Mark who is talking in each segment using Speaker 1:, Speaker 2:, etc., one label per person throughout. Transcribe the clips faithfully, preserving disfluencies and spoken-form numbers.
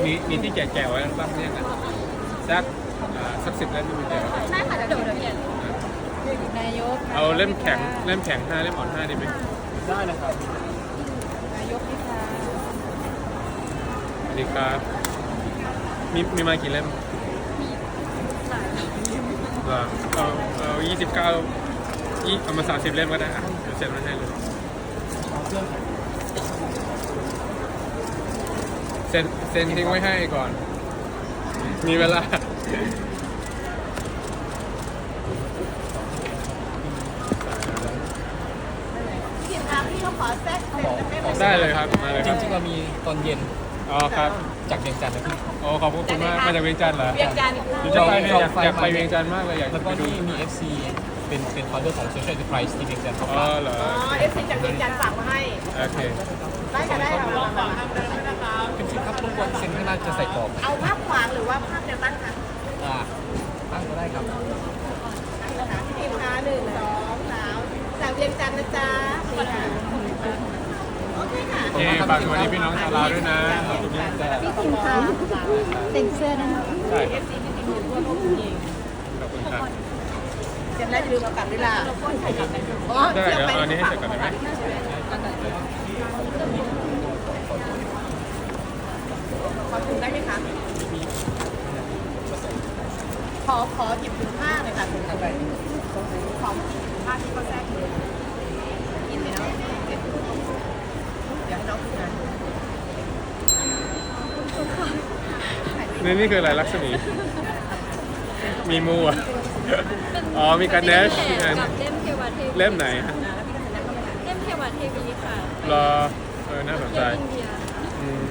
Speaker 1: มีมีที่แกะๆไว้บ้างเนี่ยนะสักสักสิบเล่มไม่มีแกะ
Speaker 2: ใช่ค่ะเดี๋ยวเดี๋ยวเดี๋ยวนายก
Speaker 1: เอาเล่มแข็งเล่มแข็งห้าเล่มอ่อนห้าดีไหมได้นะครับ
Speaker 2: นายกนี่ค่ะ
Speaker 1: สวัสดีครับมีมีมากี่เล่มเหรอเอาเอายี่สิบเก้ายี่เอามาสามสิบเล่มก็ได้อ่ะเดี๋ยวเสร็จมาให้เลยเซ็นเซ็นทิ้งไว้ให้ก่อนมีเวลา
Speaker 2: พี่คะพี่เขาขอแทรกเซ็นได้ไหม
Speaker 1: ได้เลยครับมาเลยค
Speaker 3: จ
Speaker 1: รับ
Speaker 3: ริงๆเรามีตอนเย็น
Speaker 1: อ๋อครับ
Speaker 3: จากเวียงจันทร์นะพี่
Speaker 1: โอ้ขอบคุณมากมาจากเวียงจันทร์เหรอ
Speaker 2: เวียงจันทร์
Speaker 1: จะไปเนี่ยอยากอยากไปเวียงจันทร์มากเลยอยาก
Speaker 3: แล้วก็
Speaker 1: ไปดู
Speaker 3: นี่มี เอฟ ซี เป็นเป็นคอนเดอร์ของ Social Enterprise ที่เวียงจันทร์เขา
Speaker 1: อ๋อ
Speaker 3: ฝาก
Speaker 1: เหรอ
Speaker 2: อ๋อเอฟซีจากเวียงจันทร์ฝากมาให้
Speaker 1: โอเค
Speaker 2: ได้ค่ะได้ค่ะ
Speaker 3: เป็นชุดครับรบกวนเซ็นข้างหน้าจะใส่กรอบ
Speaker 2: เอาภาพขวางหรือว่าภาพแนวตั้งคะ
Speaker 3: อ่าตั้งก็ได้ครับ
Speaker 2: นะคะพี่พิมพ์คะหนึ่งสองสามจากเวียงจันทร์นะจ๊ะโอเคค่ะ
Speaker 1: โอเคฝากสวัสดีพี่น้องชาวลาวด้วยนะขอบคุณมากจ้ะ
Speaker 2: พี่พิมพ์คะเซ็นเซอร์นะคะ
Speaker 1: ได้ค
Speaker 2: เอ
Speaker 1: รับ
Speaker 2: ฟซีพี่พิมพ์ทั่วโลกจริง
Speaker 1: ขอบคุณครับ
Speaker 2: เซ็นแล้วอย่าลืมเอากลับด้วยล่ะอ๋อ
Speaker 1: ได้เดี๋ยวเอาอันนี้ให้เสร็จก่อนได้ไหม
Speaker 2: ขอถุงได้ไหมคะขอขอหยิบถุงผ้าหน่อยค่ะถุงอะไรขอผ้าที่เขาแทรกเลยกินเลยเนาะเก็บเดี๋ยวให้น้องทำงาน
Speaker 1: นี่นี่คืออะไรลักษณีมีมูอ่ะอ๋อมีการเนช
Speaker 4: กับเล่มเทวเทวี
Speaker 1: เล่มไหนฮะ
Speaker 4: เล่มเทวเทวีค่ะ
Speaker 1: รอเออน่าสนใจ
Speaker 4: เล่มอินเดีย
Speaker 1: อืม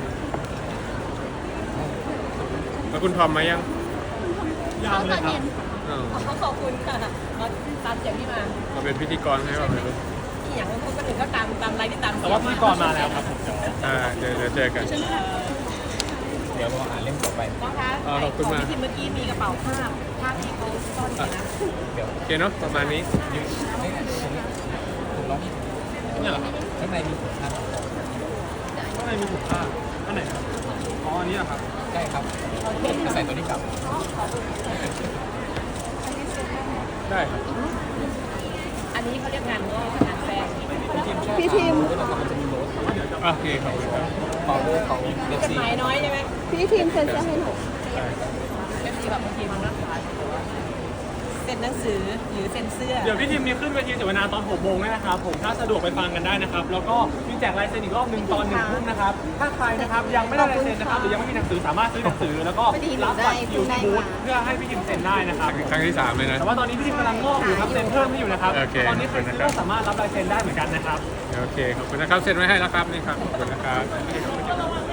Speaker 1: แล้วคุณทอมมายัง
Speaker 4: เขาตอนเย็น
Speaker 1: อ๋อ
Speaker 2: เขาขอบคุณค่ะมาตามเสียงที่มา
Speaker 1: มาเป็นพิธีกรให้เราเลยลูก
Speaker 2: ที่อย่างคนคนอื่นก็ตามตามไลน์ที่ตาม
Speaker 3: แต่ว่าพิธีกรมาแล้วครับผม
Speaker 1: อ่าเดี๋ยวเดี๋ยวเจอกัน
Speaker 3: เดี๋ยวเราอ่านเล่มต่อไป
Speaker 2: น้องคะ
Speaker 1: อ๋อขอบคุณมาก
Speaker 2: พี่พิมพ์เมื่อกี้มีกระเป๋าผ้าผ้าที่เขาซ่อนอยู่นะ
Speaker 3: เดี๋ยว
Speaker 1: โอเคเนาะประมาณนี้
Speaker 3: ยืนไม่ตรงนี้ถุงล้อนี่เนี่ยเหรอครับข้างในมีถุงผ้า
Speaker 1: ข้างในมีถุงผ้าอันไหนครับอ๋ออันนี้เหรอครับ
Speaker 3: ใช่ครับจะใส่ตัวนี้กลับ
Speaker 1: ได้ครับ
Speaker 2: อันนี้เขาเรียกงานงอกงานแฟร์
Speaker 3: พี่ทีมแล้วก็มันจะมีโน้ต
Speaker 1: โอเคขอบคุณครับ
Speaker 3: ของของเอฟ
Speaker 2: จด
Speaker 3: ซี
Speaker 2: หมายน้อยใช่ไหม
Speaker 4: พี่ทีมเซ็นเซอร์ให้หนู
Speaker 1: ได้
Speaker 2: เอฟซีแบบบางทีมันรักษาเซ็นหนังสือหรือเซ็นเสื้อ
Speaker 5: เดี๋ยวพี่ทีมมีขึ้นเวทีเสวนาตอนหกโมงนะครับผมถ้าสะดวกไปฟังกันได้นะครับ แล้วก็มีแจกลายเซ็นอีกรอบหนึ่งตอนหนึ่งทุ่มนะครับ ถ้าใครนะครับยังไม่ได้ลายเซ็นนะครับหรือยังไม่มีหนังสือสามารถซื้อหนังสือ แล้วก็รับบัตรคิวที่บูธเพื่อให้พี่ทีมเซ็นได้นะครับ
Speaker 1: ครั้งที่สามเลยนะ
Speaker 5: แต่ว่าตอนนี้พี่ทีมกำลังงอกอยู่ครับเซ็นเพิ่มให้อยู่นะครับ
Speaker 1: โอเค
Speaker 5: ตอนนี้ใครซื้อก็สามารถรับลายเซ็นได้เหมือนกันนะครับ
Speaker 1: โอเคขอบคุณนะครับเซ็นไว้ให้แล้วครับนี่ครับขอบคุณนะครับ